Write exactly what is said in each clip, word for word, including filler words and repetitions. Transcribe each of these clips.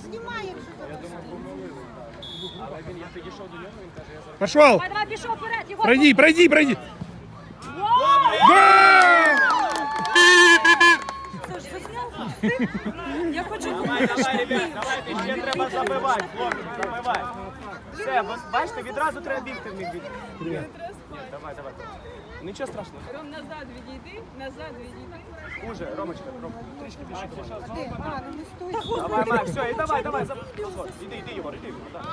знімай, якщо Пошел! Давай, давай, пішов вперед, Єгор. Пройди, пройди, пройди! Гол! Це ж засняв? Я хочу... Давай, давай, ребят, давайте, ще треба забивати, хлопці, забивати. Все, бачите, відразу треба бігти в них. Ні, давай, давай. Нічого страшного. Ром, назад відійди, назад відійди. Уже, Ромочка, Ром, трішки більше. А, ну не стой. Давай, Макс, все, і давай, давай, заб... Іди, іди, Єгор, іди, Єгор, так.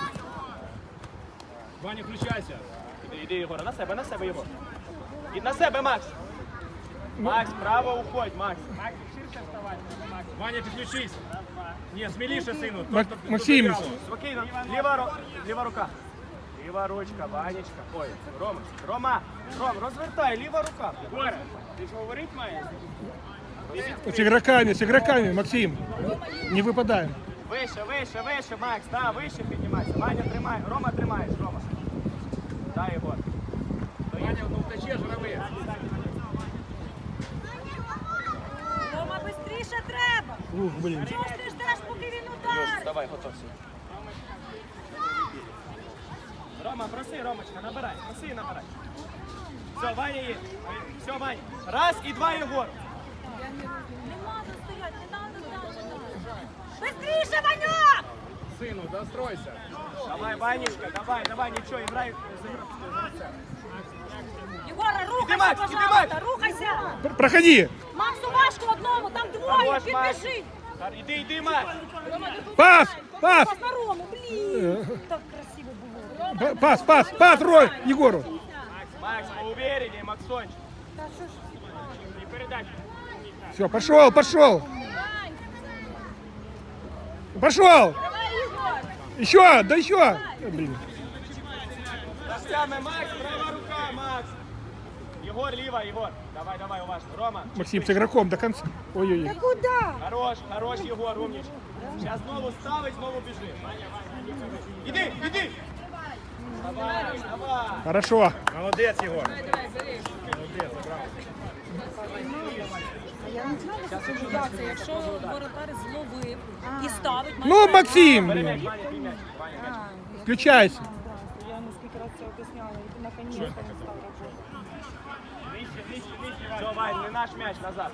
Ваня, включайся. Іди, іди, Єгор, на себе, на себе, Єгор. І на себе, Макс. Макс, право уходь, Макс. Макс, ширше вставай. Ваня, підключись. Ні, сміліше, сину. Мак- Максим. Спокійно, ліва, ро... ліва рука. Ліва ручка, Ванечка. Ой, Рома, Рома, Ром, розвертай, ліва рука. Єгоре, ти ж говорить маєш? С игроками, с игроками, Максим. Не выпадаем. Вище, вище, вище, Макс, да, вище піднімайся. Ваня, тримай, Рома, тримаєш, Рома. Да, Єгор. Ваня, ну втече жравий. Рома, швидше треба. Ух, блин. Чого ж ти ждеш, поки він Льош, ударить? давай, готовся. Рома, проси, Ромочка, набирай, проси і набирай. Все, Ваня є. Все, Ваня. Раз і два, Єгор. Не треба стояти, не треба далі. Бистріше, Ваньок! Сину, достройся. Давай, Ванечка, давай, давай, нічого, грай. Єгора, Іди, Макс, рухайся, іди, пожалуйста, Макс. рухайся! Пр- Проходи. Максу важко одному, там двоє, Хорош, Макс. підбіжи! Іди, іди, Макс. Пас, пас, Пас на Рому, блін! Так красиво було. П- пас, пас, пас, Рой, Егору. Макс, поувереннее, Максончик. І передача. Все, пошел, пошел. Пошел. Еще, да еще. Э, Блин. Дождями, Макс, права рука, Макс. Єгор, ліва, Єгор. Давай, давай, уважно. Рома. Максим с игроком до конца. Ой-ой-ой. Куда? Хорош, хорош, Єгор, умничка. Зараз знову ставить, знову біжи. Іди, іди. Давай, давай. Хорошо. Молодець, Єгор. Це якщо воротар зловив і ставить... Ну, Максим, Перем'яч, блин. Ваня, піймяч, Ваня, м'яч. Включайся. Я наскільки раз це об'ясняла, і наконец-то він став робити. Нижче, нижче, нижче, Все, Вань, не наш м'яч, назад.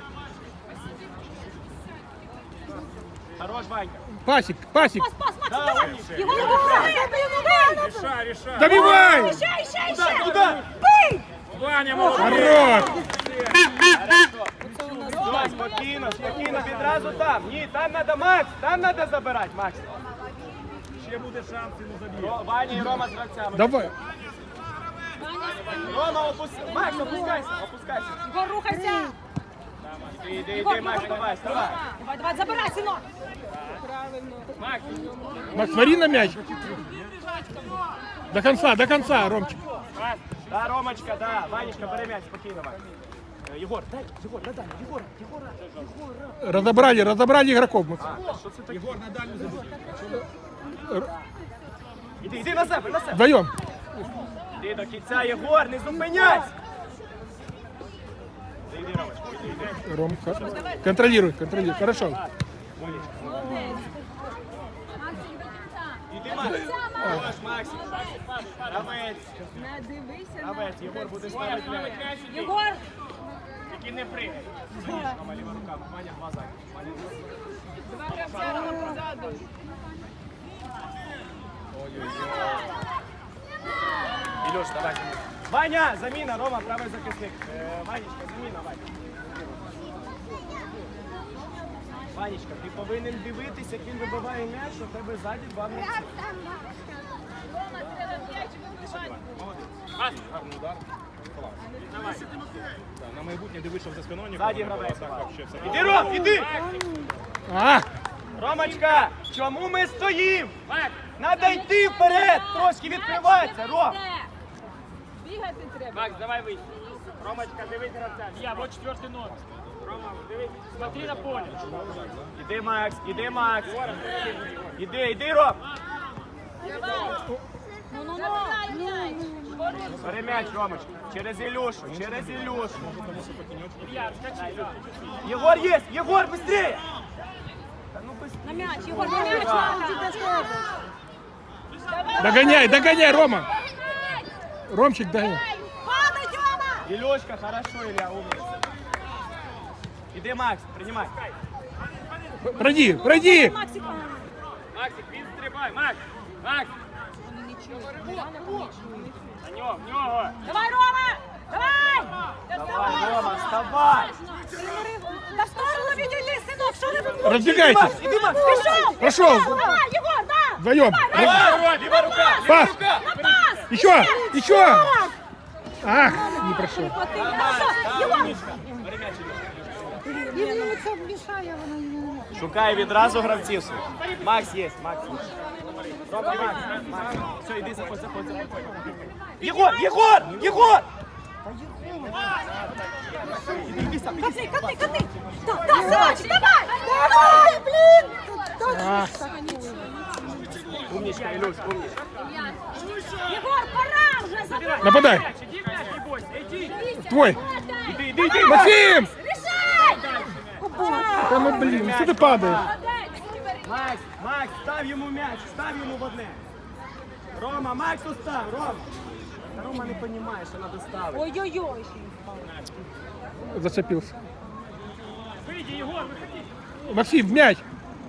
Хорош, Ванька. Пасик, пасик. Пас, пас, Макс, Да, давай! умничка. Єгор, давай! Рішай, рішай. Добивай. Ще, ще, Куда, ще! куда? Ваня, молодець. Хорош. Все, спокійно, спокійно, відразу там. Ні, там треба Макс, там треба забирати, Макс. Ще буде шанс, йому заб'є. Ро- Ваня і Рома з гравцями. Давай. Рома, опускайся. Макс, опускайся, опускайся. Єгор, рухайся! Іди, іди, іди, Макс, давай, вставай. Давай, давай, забирай, синок! Макс, Макс, смотри на мяч. До конца, до конца, Ромчик. да, Ромочка, да. Ванечка, бери м'яч, спокійно, Макс. Е, Єгор, дай, Єгор, надай, Єгора, Єгора, Єгора. Разобрали, разобрали игроков. Макс. А, що це таке? Єгор на дальню забіг. Іди, іди на себе, на себе. Вдвоем. Іди до кінця, Єгор, не зупиняйся. Іди, іди, Ромочка, іди, іди. Ром, контролируй, контролируй. Хорошо. Іди, Макс. Хорош, Макс. Гравець, Не дивися на... гравець, Єгор, будеш ставити м'яч. Єгор! Тільки не пригай. Рома, ліва рука, Ваня, два зайка. Ваня, два. Два гравця Рома позаду. Ілюш, давай. Ваня, заміна, Рома, правий захисник. Е, Ванечка, заміна, Ваня. Ванечка, ти повинен дивитися, як він вибиває м'яч, що в тебе ззаді два гравці. Гарний удар. Клас. Так, на майбутнє дивись, щоб за спиною нікого Ззаді не було. гравець. Так, вообще все. Іди, Ром, іди! А, Ромочка, чому ми стоїмо? Надо йти вперед, трошки відкриватися, Ром. Бігати треба. Макс, давай вийди. Ромочка, дивись гравця. Я, вот четвертый номер. Рома, дивись, смотри на поле. Іди, Макс, іди, Макс. Іди, іди, Ром. Бери м'яч, Ромочка. Через Ілюшу, через Ілюшу. Єгор є! Єгор, быстрее! Та ну, быстрее. м'яч, Єгор, на м'яч надо. Догоняй, догоняй, Рома. Ромчик, догоняй. Падай, Тьома! Ілюшка, хорошо, Ілля, умніця. Іди, Макс, приймай. Пройди, пройди. Максик, Максик, він стрибай, Макс! Макс! На нього, в нього! давай, Рома! Давай! Давай, Рома, вставай! Да в сторону відійди, синок, що ти тут? Разбегайтесь. Іди, Макс! Пішов! Пошел. Давай, Єгор, да! Вдвоем. Давай, ліва рука! Пас. На пас! Еще, еще. Ах, не прошел. Хорошо, Єгор! Він йому це мішає, вона не може. Шукає відразу гравців. своїх. Макс є, Макс є. Рома, Макс, Макс. Все, іди, заходь, заходь, заходь. Єгор, Єгор, Єгор! Катни, катни, катни! Да, да, синочек, давай! Давай, блін! Ах. Умничка, Ілюш, умничка. Єгор, пора вже забирай! Нападай. Твой. Іди, іди, іди! Максим. Рішай! Да ну блин, что ты падаешь? Макс, Макс, став йому м'яч, став йому в одне. Рома, Максу став, Рома. Та Рома не розуміє, що треба ставити. Ой-ой-ой! Зацепился. Максим, в мяч.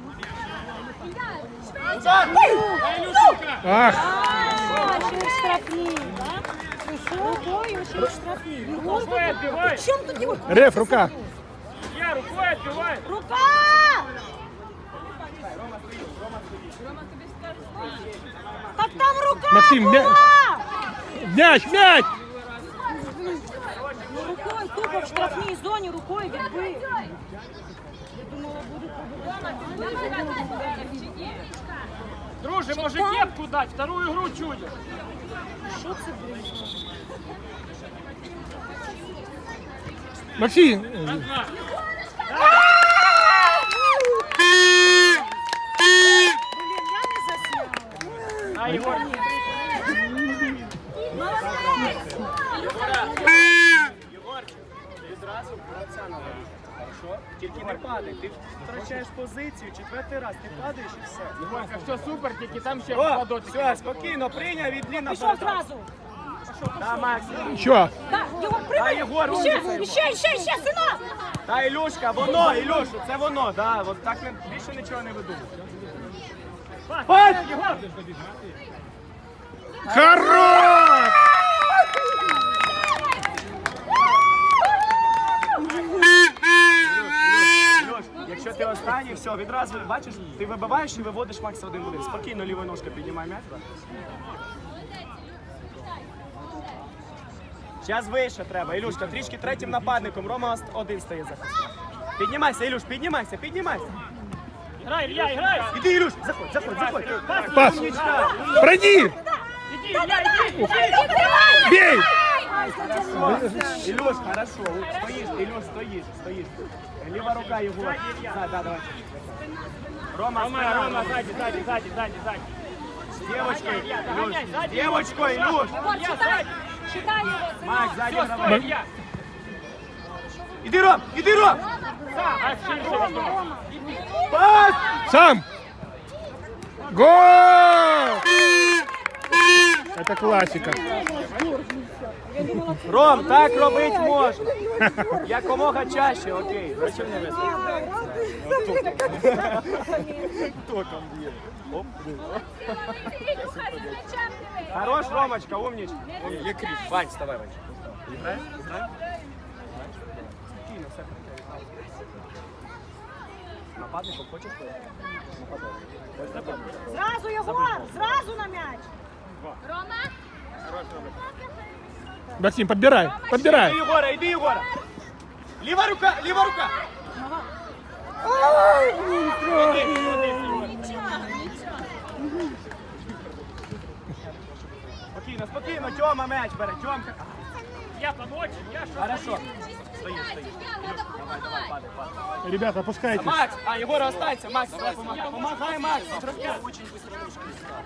Ах, А, ще й штрафні, да? Рукою ще й штрафні. Єгор, при чому тут Єгор? реф, рука. Рука! Так там рука Максим, була! мя- Мяч, мяч. Ну, рукою, тупо в штрафній зоні, рукою відбив. Я думала, буде пробувати. Друже, може кепку дать, вторую игру чудишь. Що це було? Максим. Блін, я не засняла. А, Егор. Єгорчик, відразу гравця надо. Хорошо? Тільки не падай, ти втрачаєш позицію, четвертий раз, ти падаєш і все. Егорка, все супер, тільки там ще О, попадуть. все, спокійно, прийняв від Ліна. Пішов зразу. Да, Макс. Еще. Так, Єгор, Та, прийми. Єгор, Ще, умниця, ще, ще, ще, синок. Та, Ілюшка, воно, Ілюшу, це воно, да, от так не, більше нічого не видумав. Пас, Єгор! Хорош! Ілюш, якщо ти останній, все, відразу, бачиш, ти вибиваєш і виводиш Макса один в один. Спокійно, лівою ножкою піднімай м'яч. Зараз вище треба, Ілюшка, трішки третім нападником, Рома один стає захисник. Піднімайся, Ілюш, піднімайся, піднімайся. Грай, Илья, играй! Іди, Ілюш, заходь, заходь, заходь. Пас. Умничка. Пройди. Иди, Илья, иди! Бей. Ілюш, хорошо, стоїш, Ілюш, стоїш, стоїш. Ліва рука, Єгор. Да, да, давай. Рома, Рома, спина, Рома, сзади, сзади, сзади, сзади, сзади. З дівочкою, Илья, Ілюш, догоняй, з сзади. дівочкою, Ілюш. Єгор, читай. Читай його, синок. Макс, сзади Все, давай. стой, Илья! Іди, Ром, іди, Ром. А, ширше, Рома. Пас! Сам. Гол! Это классика. Ром, так робити можна. Якомога чаще, окей. Зачем не весело? Током б'є. Оп. Хорош, Ромочка, умничка. Є кріп. Вань, вставай, Вань. Грай, грай. Спокійно, все прикрий. Нападником хочеш? Нападник. Зразу, Єгор, зразу на м'яч. Максим, подбирай, подбирай. Іди, Єгора, іди, Єгора. Ліва рука, ліва рука. Спокійно, спокійно, Тьома м'яч бере, Тьомка. Я помочь, я что? Хорошо. Стоїш, стоїш. Давай, давай, падай, падай. Ребята, опускайтесь. Макс, а, Егор, останься, Макс, давай помогай. Помогай, Макс. Очень быстро ручка.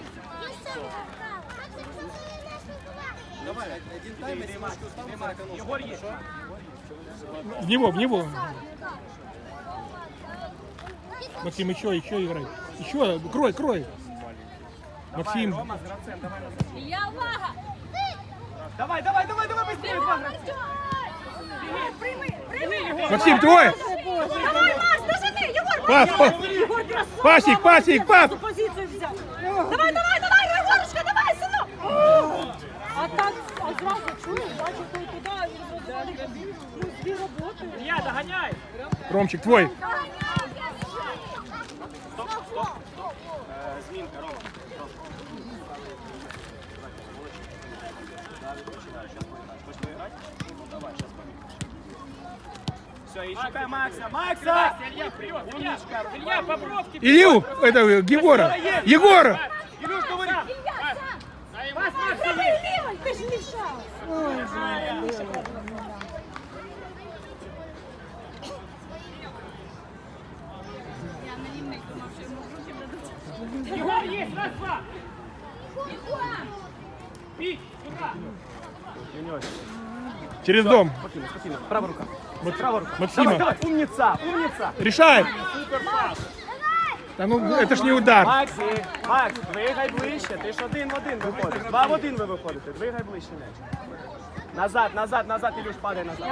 Давай, один тайм, иди, Макс, иди, Макс. Егор есть. В него, в него. Максим, еще, еще играй. Еще, крой, крой. Максим. Рома з гравцем, давай назад. Я увага! Давай, давай, давай, давай, быстрее, два гравця. Прийми, прийми! Максим, твой. Давай, Макс, дожини! Єгор, Пас, пас. Єгор, красавчик! Пасик, пасик, пас. Позицію взяв. Давай, давай, давай, Єгорушка, давай, синок! А так, а зразу чую, бачу, той туди, він зробив ну, дві роботи. Илья, доганяй. Ромчик, твой. Стоп, стоп, стоп. Е, Змінка, Рома. Все, и шукай Макса. Макса! Илья, вперед! Умничка! Илья, по бровке! Илью, это Егора. Егора. Илюш, говори! Пас, Макс, Давай, Лівой, ти ж мішав. Егор есть! Раз, два! Пить! Сюда! Через дом. Спокойно, спокойно. Правая рука. Мак- Правая рука. Максима. Давай, давай. Умница, умница. Решай. Да ну, это ж не удар. Максі, Макс, двигай ближче. Ти ж один в один виходиш. Два в один ви виходите. Двигай ближче м'яч. Назад, назад, назад, Ілюш, падай назад.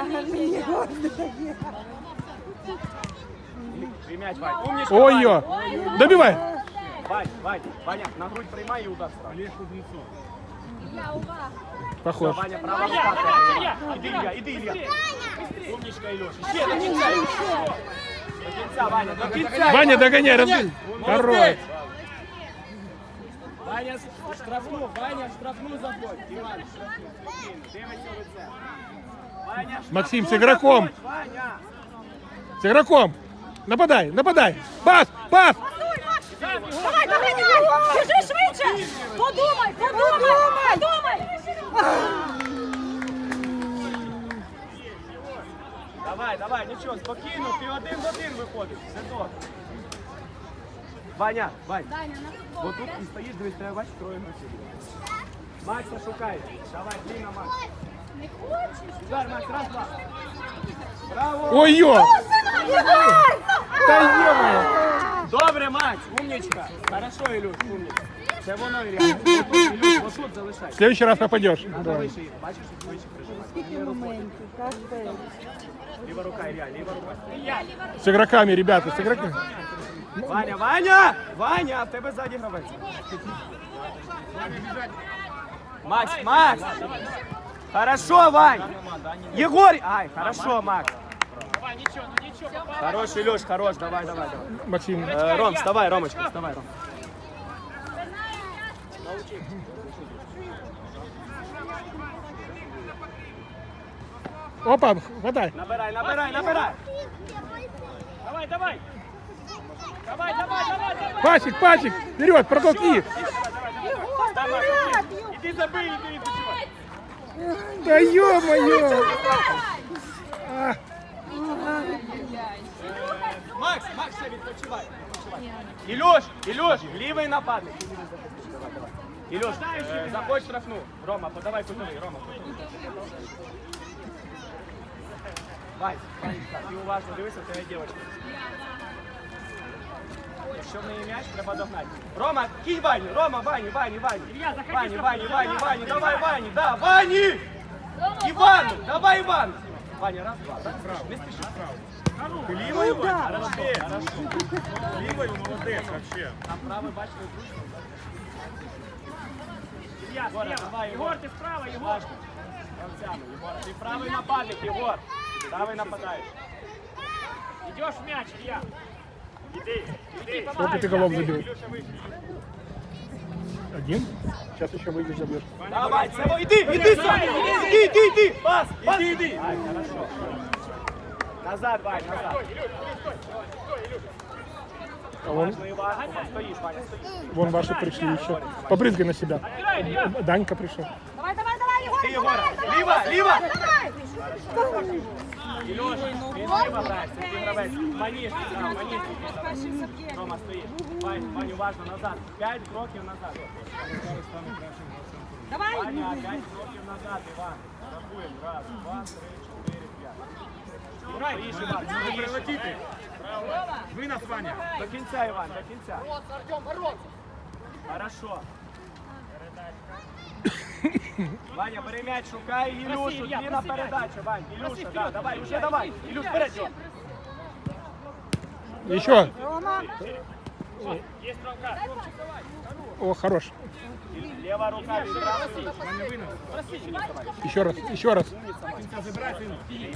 І м'яч, Вань. Умничка, Ой-ё. Добивай. Вань, Вань, Ваня, на грудь приймай і удар сразу. Я увага. Похож. Ваня, права рука. Іди, Ілля, іди, Ілля. Умничка, Ілюш. Ще до кінця. До кінця, Ваня, до кінця. Ваня, догоняй, разбей. Хорош. Ваня штрафну, Ваня штрафну забудь. Іван, штрафну. Спокійно, дивися в лице. Ваня, Максим, с штрафну игроком. забудь, Ваня. С игроком. Нападай, нападай. Пас, пас. Давай, давай, давай! Біжи швидше! Подумай, подумай, подумай! Давай, давай, нічого, спокійно, ти один в один виходиш. Все добре. Ваня, Вань, бо тут і стоїш, дивись, треба бачиш, троє гравців. Макса шукай. Давай, длинно, Макс. Не хочеш? Удар, Макс, раз, два. Браво! Ой-ё. Єгор! Да ё-моё. Добре, Макс, умничка. Хорошо, Ілюш, умничка. Це воно, Ілля. Отут, Ілюш, отут залишай. В следующий раз попадешь. Надо Да. вище, бачиш, вище прижимати. Скільки моментів, кожен. Ліва рука, Ілля, ліва рука. С игроками, ребята, с игроками. Ваня, Ваня! Ваня, в тебе ззаді гравець. Макс, Макс! Хорошо, Вань! Егор! Ай, хорошо, Макс. Хорош, Илюш, хорош, давай, давай, давай. Максим. Э, Ром, вставай, Ромочка, вставай, Ром. Опа, хватай. Набирай, набирай, набирай. Давай, давай. Давай, давай, давай, давай. Пасик, пасик. Вперед, протолкни. Иди забей, иди, иди. Да ё-моё. А, Макс, Макс, ще відпочивай. Ілюш, Ілюш, лівий нападник. Давай, давай. Ілюш, е, заходь штрафну. Рома, подавай кутовий, Рома. Вань, Ванечка, ти уважно дивися, в тебе дівчинка. Якщо в неї м'яч, треба догнати. Рома, кій Ваню, Рома, Ваню, Ваню, Ваню. Вані, Вані, Вані, Вані, давай, Вані, да, Вані! Івану, давай, Іван! Ваня, раз, два, так? Не спіши. Лівою, Ваня? Хорошо, хорошо. Лівою, молодець, вообще. Там правий, бачите, зручно. Илья, слева, Егор, ти справа, Егор. Гравцями, Егор, ти правий нападник, Егор. Правий нападаєш. Идешь в мяч, Илья. Иди, иди. сколько ты голов забил? Один? Сейчас еще выйдешь, забьешь. Давай, Сево, иди, иди сам. Иди, иди, иди. Пас, иди, иди. Ай, хорошо. Назад, Вань, назад. А вон, Важно и важно. Стоишь, Ваня, стоишь. вон ваши пришли еще. Побрызгай на себя. Данька пришел. Давай, давай, давай, Єгор! Ты, Егор. Ліва, ліва. Илюш, він ліва грається, ти гравець. Маніш, там, маніш. Рома, стоїть. Вань, Вань, уважно, назад. П'ять кроків назад. Давай! Ваня, п'ять кроків назад, Іван. Рахуємо. Раз, два, три, чотири, п'ять. Грай, Іван, не прилетіти. Вынос, Ваня. До кінця, Іван, до кінця. Хорошо. Ваня, бери м'яч, шукай Ілюшу, длинна передача, Вань, Ілюша, да, давай, уже давай, Ілюш, вперед, його. Еще. Рома, О, хорош. Лева рука, відразу. Ваня, вынос. Еще раз, еще раз. Кінця забирай, сину.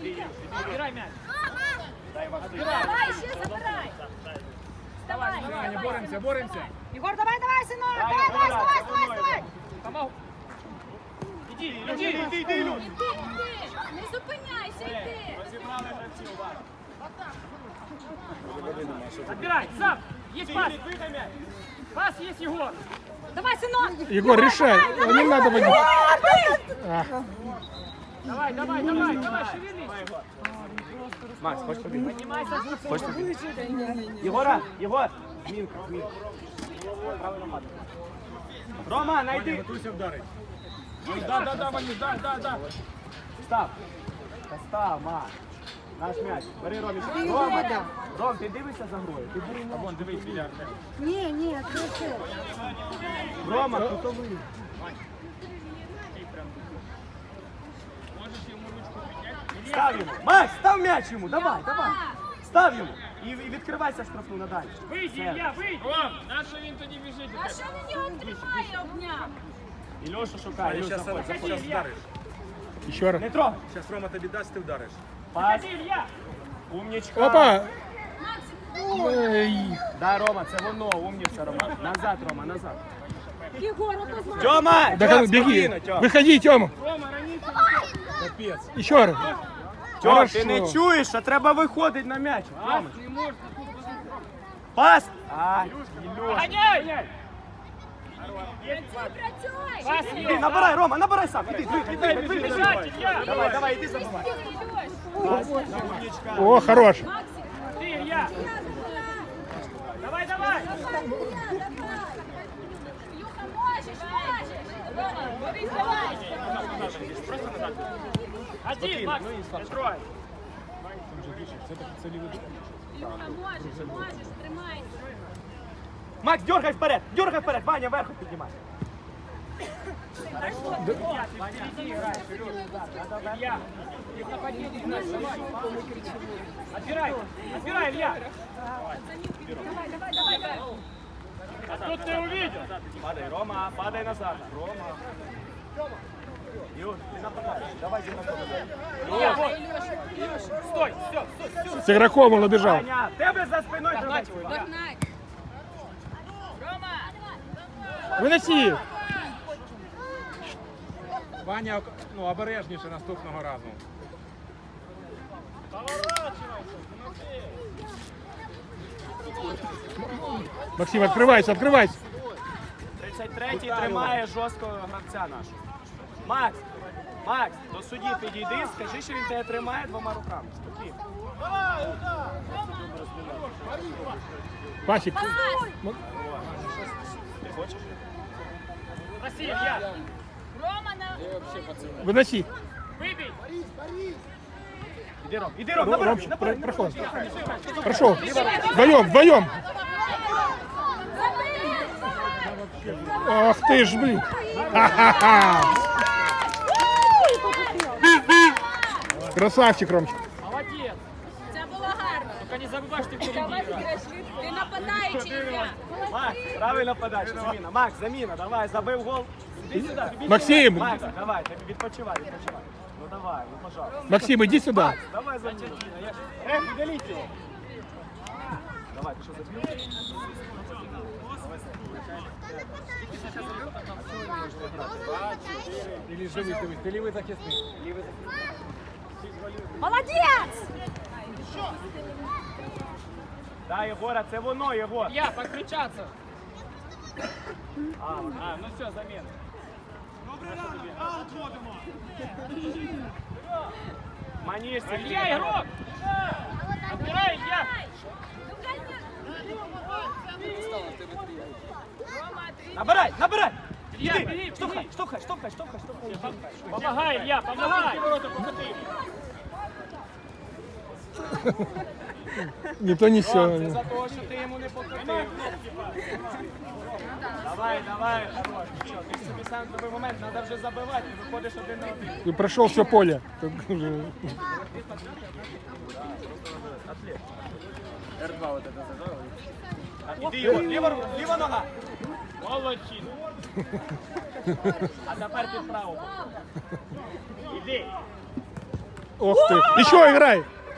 Давай, ще забирай. Вставай. Ваня, боремося, боремося. Егор, давай, давай, сынок. Давай, давай, вставай, вставай, вставай. Іди, іди, іди, іди, Ілюш. Іди, іди. Не зупиняйся, йди. Розібрали гравців, Ваня. Отбирай, сам! Есть пас! Викай м'яч. Пас есть, Егор! Давай, сынок. Егор, решай. Не надо водить. А, Давай, давай, давай, давай, шевелись! Макс, хочеш побігти? Поднимайся! Хочеш побігти? Єгора, Єгор. Змінка, змінка. Правильно, мати. Рома, найди. Готуйся вдарить. Да, да, да, Ванюш, да, да, да. Став. Та став, Макс. Наш м'яч. Бери, Роміч. Рома, Ром, ти дивишся за грою? Ти бери м'яч. Вон, дивись, біля. ні, ні, це все. Рома, кутовий. Став йому. Макс, став м'яч йому. Давай, давай. Став йому. І і відкривайся штрафну надалі. Выйди, Все. Илья, выйди! Ром, наша він тоді біжить. А що він його тримає, обняв? Ілюша шукає. Ілюша, Зараз заходь, заходь. вдариш. еще раз. Не трогай. Зараз Рома тобі дасть, ти вдариш. Пас. Ходи, Илья! Умнічка. Опа. Ой. Да, Рома, це воно. Умніця, Рома. Назад, Рома, назад. Єгор, ото знає. Тьома! Да, Тьом, беги. спокійно, Тьом. Выходи, Тёма. Капець. Еще раз. Тьом, Хорошо. ти не чуєш, що треба виходити на м'яч. Рома. Пас! А, Ілюш. Гоняй! Працюй. Пас Іди, есть! набирай, Рома, набирай сам. Іди, іди, іди, іди, іди. Бежать, Илья! Давай, давай, іди забивай. Пас, умнічка. О, хорош. Ты, Илья! Давай, давай! Юха, можеш, можеш. Рома, бери, давай. Один, Макс, не трой! Юха, можеш, можеш, тримайся. Макс, дергай вперед, дергай вперед. Ваня, вверху піднімай. Илья! Отбирай! Отбирай, Илья! Давай, давай, давай, давай. А тут ты увидел! Падай, Рома, падай назад. Рома. Юр, ти нападаєш. Давай, ти нападаєш. Илья, вот! Стой! Все, стой, все! С игроком он убежал. Ваня, тебе за спиною тримай. Догнать. Выноси. Ваня, ну, обережніше наступного разу. Максим, открывайся, открывайся. тридцять третій тримає жорстко гравця нашого. Макс, Макс, до судді підійди, скажи, що він тебе тримає двома руками. Спокійно. Пасик. Ти хочеш? Проси, Илья! Рома, на... Выноси. Выбей! Іди, Ром, іди, Ром, Ром, набирай, Ром, набирай. про- проход. Прошел. Вдвоем, вдвоем. Ах ты ж, блин. Ха-ха-ха. Красавчик, Ромчик. Молодец! Це було гарно. Только не забывай, что ты впереди. Ти нападаючий, Ілля. Макс, правильна подача, заміна. Макс, заміна, давай, забив гол. Іди сюди. іди Максим. сюди. Макс, давай, ти відпочивай, відпочивай. Ну давай, ну пожалуйста. Максим, иди сюда. Макс, давай заміну. Эх, удаліть його. Давай, ти що забив? Ти лівий, дивись, ти лівий захисник. Молодець! Да, Єгора, це воно, Єгор. Илья, покричаться! А, ну все, замена. Манишься. Илья, игрок! Отбирай, Илья! Набирай, набирай. Илья, Іди, бери, штовхай, бери! штовхай, штовхай, штовхай, штовхай. Помогай, Илья, помогай! Не то, не Ром, це все. за того, що ти йому не покотив. Давай, давай, хорош. Що, ти собі сам зробив момент, треба вже забивати, ти виходиш один на один. И прошел все поле. Так уже. эр два вот это зажал. Іди його, ліва, рука, ліва нога. Молодчина. А тепер ти вправо. Іди. Ох ты. Еще играй.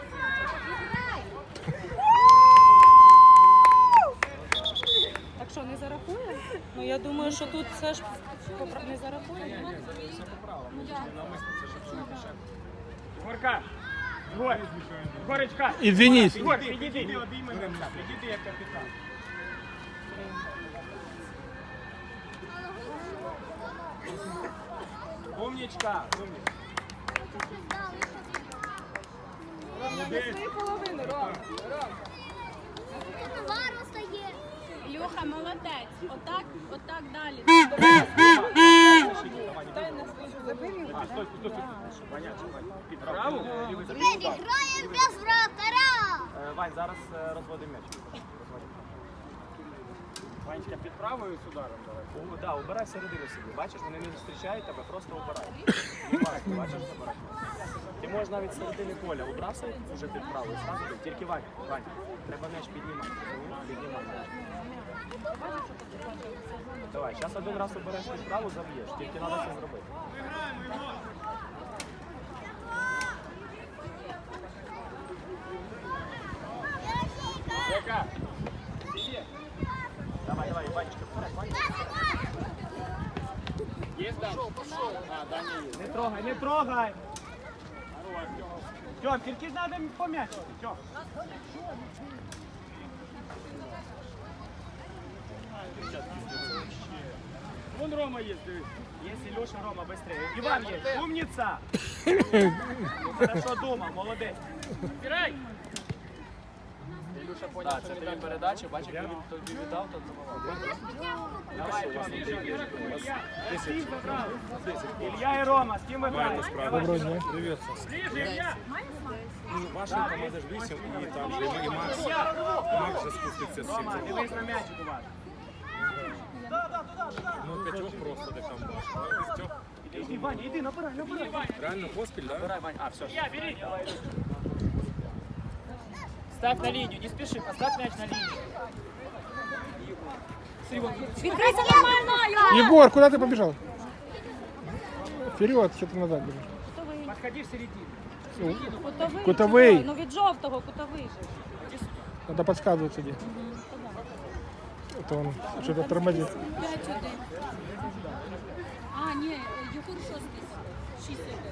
Так що, не зарахує? Ну я думаю, що тут все ж попра- не зарахує. Горка. Гор. Горочка. Извинись. Гор, підійди. Підійди, обійми гравця, підійди як капітан. Умнічка, умнічка. Ілюха, молодець. Отак, отак далі. А, стой, стой, стой. Понятно, під праву. Граємо без вратаря. Е, Вань, зараз е, розводимо м'яч. Розводимо. Ванечка, під правою з ударом давай. О, да, убирай середину собі. Бачиш, вони не зустрічають тебе, просто убирай. Убирай, бачиш, забирай. Ти можеш навіть з середини поля убрався вже під правою, зразу бий. Тільки Вань, Вань, треба м'яч піднімати. Піднімай м'яч. Давай, зараз один раз обереш під праву, заб'єш. Тільки треба це зробити. Яка? Давай, давай, Ванечка, вперед, Ванечка. Є там? А, Даня є. Не трогай, не трогай! Тьом, тільки треба по м'ячу. Тьом. Вон Рома є, дивись. Есть Илюша, Рома, быстрее. Иван есть, умница! Хорошо думал, молодець. Збирай. Ілюша поняв, це тобі передача, бачиш, як він тобі віддав, то забивав. Давай, Тьом, Илья и Рома, с кем вы граете? Доброго дня. Привет. Ближе, Ілля. Ваша команда ж вісім, і там же і Макс. Макс вже спуститься з Рома, сім. дивись на м'ячик у вас. Ну, п'ятьох просто де там бачиш. П'ятьох. Иди, Ваня, иди, набирай, набирай. Реально поспіль, да? Набирай, Ваня. А, все. Ілля, бери. Ставь на линию, не спеши, поставь мяч на линию. Відкрийся нормально! Егор, куда ты побежал? Вперед, что ты назад бежишь? Подходи в середину. Кутовий. Кутовий. Ну від жовтого кутовий же. Надо подсказывать тебе. Это он что-то тормозит. п'ять один. А, ні, Єгор шостий. шість один.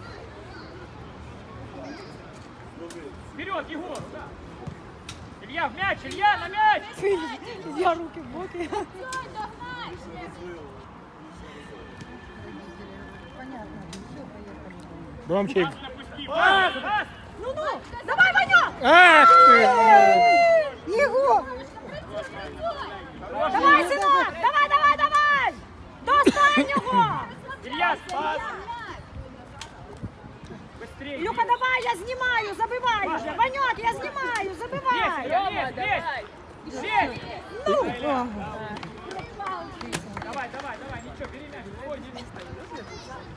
Вперед, Егор. Илья, в мяч, Илья, на мяч. Я руки в боки. Ромчик. Пас, пас. Ну-ну, давай, Ваньок! Ах ты! Єгор! Давай, синок! Давай, давай, давай! До останнього! Илья, пас. Быстрее. Люка, давай, я знімаю, забивай вже! Ваньок, я знімаю, Есть, забивай! есть, есть. Есть. Ну, Давай, давай, давай, ничего, бери мяч. Ой, не стоит.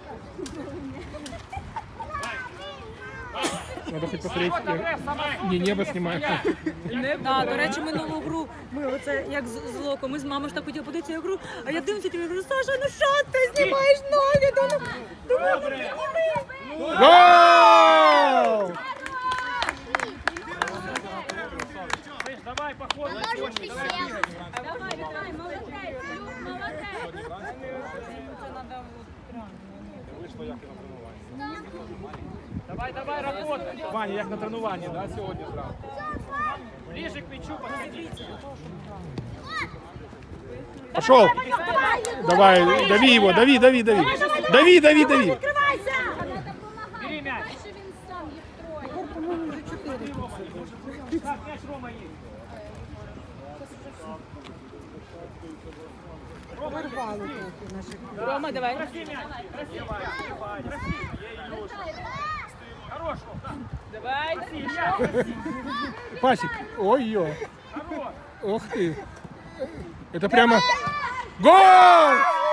Надо хоть посмотреть. Вот, Абрев, сама. Не, небо снимаю. Да, до речі, минулу гру ми оце як з, з Локо, ми з мамою ж так хотіли подивитися цю гру, а я дивлюся, і говорю, Саша, ну що ти знімаєш ноги? Думаю, думаю, зніми. Гол! Слышь, давай, по ходу. Ножички сел. Давай, Віталій, молодець. Молодець. Вийшло як і на тренуванні. Давай, давай, работай. Ваня, як на тренуванні, да, сьогодні зранку? Ближе к мячу, подходи. Пошел! Давай, дави его, дави, дави, дави. Дави, дави, дави. Відкривайся! Бери мяч. Що він сам їх троє. Так, мяч Рома есть. Рома, давай. Проси мяч. Проси, проси. Хорош. Давай, Илья, красиво. Пасик. Ой-ё. Хорош. Ух ты. Это прямо... Гол!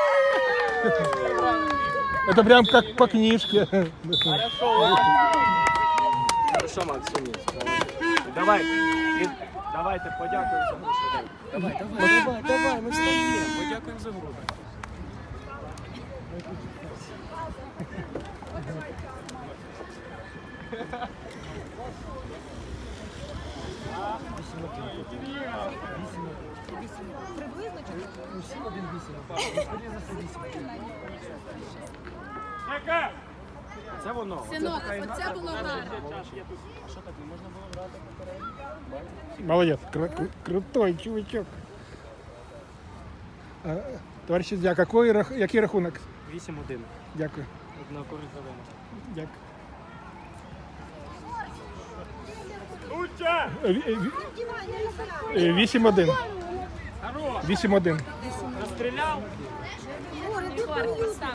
Это прям как по книжке. Хорошо, Максим. Давай. І- Давайте подякуємо за гру швиденько. Давай, давай, давай, давай, ми встаємо. Подякуємо за гру. Яка? Це воно. Синок, оце було гарно. Молодец. Кру- кру- крутой чувачок. А, Товариш суддя, какой, рах- який рахунок? вісім один. Дякую. На користь Галина. Дякую. Лучше. Е, ві- е, ві- вісім один. Хорош. вісім один. Розстріляв.